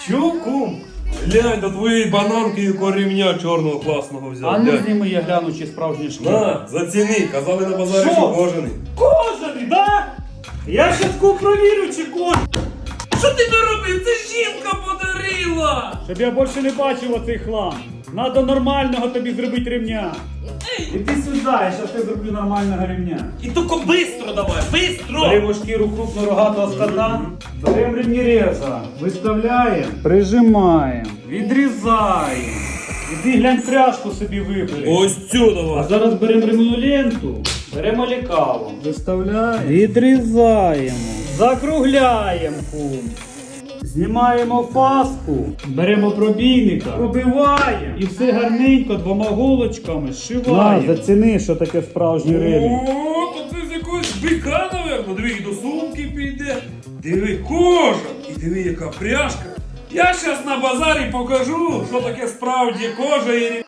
Чо, кум? Глянь, до твоєї бананки і ремня чорного класного взяв. А ну глянь. зніми, я гляну, чи справжні шкіри. На, заціни, казали на базарі, Що? що кожаний. Кожаний, да? Я щас провірю, чи кожаний. Що ти наробив? Це жінка подарила! Щоб я більше не бачив оцей хлам. Надо нормального тобі зробити ремня. Іди сюди, я щас тобі зроблю нормального ремня. І тільки бистро давай, бистро! Беремо шкіру крупнорогатого скота, беремо ремніреза, виставляємо, прижимаємо, відрізаємо. Іди глянь, пряжку собі вибери. Ось цю А давай. зараз беремо ремну ленту, беремо лекало, виставляємо, відрізаємо, закругляємо кум. Знімаємо фаску, беремо пробійника, пробиваємо і все гарненько двома голочками зшиваємо. На, заціни, що таке справжній ремінь. О, то це з якогось бика, наверно. Диви, і до сумки піде. Диви, кожа. І диви, яка пряжка. Я щас на базарі покажу, що таке справді кожа і